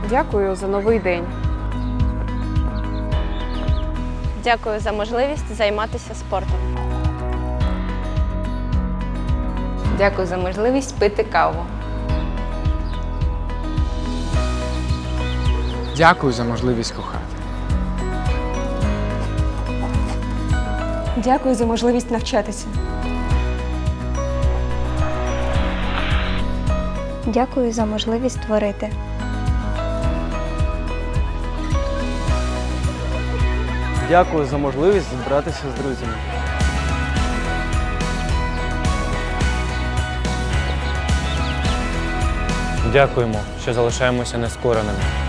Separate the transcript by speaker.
Speaker 1: Дякую за новий день.
Speaker 2: Дякую за можливість займатися спортом.
Speaker 3: Дякую за можливість пити каву.
Speaker 4: Дякую за можливість кохати.
Speaker 5: Дякую за можливість навчатися.
Speaker 6: Дякую за можливість творити.
Speaker 7: Дякую за можливість збиратися з друзями.
Speaker 8: Дякуємо, що залишаємося нескореними.